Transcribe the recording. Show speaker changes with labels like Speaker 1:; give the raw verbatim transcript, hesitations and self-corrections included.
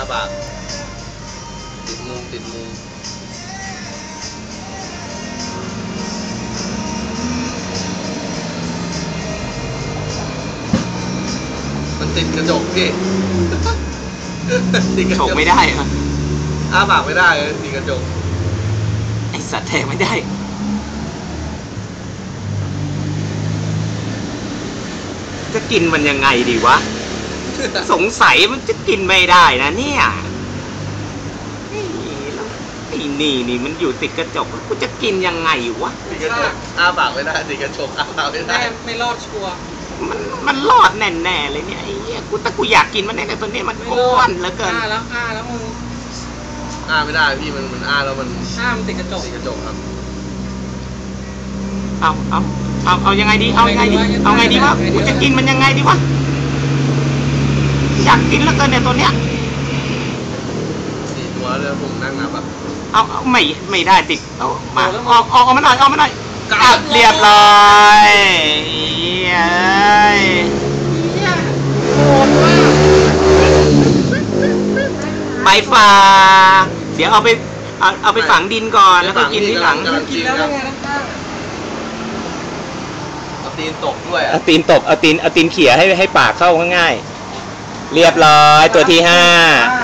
Speaker 1: ปากติดมุมติดมุมมันติดกระจกพี่ติดกระจก
Speaker 2: ไม่ได้อะ
Speaker 1: อ้าปากไม่ได้เลยติดกระจก
Speaker 2: ไอสัตว์แทงไม่ได้จะกินมันยังไงดีวะ สงสัยมันจะกินไม่ได้นะเนี่ยไอ้นี่นี่มันอยู่ติดกระจกกูจะกินยังไงวะ
Speaker 1: ติดกระจกอ้าปากไม่ได้ติดกระจกอ้าปากไม่ได้
Speaker 3: ไม่รอดชัวร์
Speaker 2: มันมันรอดแน่ๆเลยเนี่ยไอ้เหี้ยกูแต่กูอยากกินมันแน่ๆตัวนี้มันอ้วนเหลือเกิน
Speaker 3: อ้าแล้วอ้าแล้วมึง
Speaker 1: อ้าไม่ได้พี่มันมันอ้าแล้วมัน
Speaker 3: อ้ามันติดกระจก
Speaker 1: ติดกระจกครับ
Speaker 2: เอาเอาเอาเอายังไงดีเอายังไงดีเอาไงดีวะกูจะกินมันยังไงดีวะอยากกินแล้วเกินเนี่ยตัวเนี้ย
Speaker 1: สี่ตัวเลยผมนั่งนับอ่ะ
Speaker 2: เอาเอาไม่ไม่ได้ติดเอามาออกออกมาหน่อยออกมาหน่อยกลับเรียบร้อยเอ้ยไปฝ่าเดี๋ยวเอาไปเอาเอาไปฝังดินก่อนแล้วก็กินที่หลัง
Speaker 3: กินแล้วไงนะ
Speaker 1: เอาตีนตกด้วย
Speaker 2: เอาตีนตกเอาตีนเอาตีนเขี่ยให้ให้ปากเข้าง่ายๆเรียบร้อยตัวที่ห้า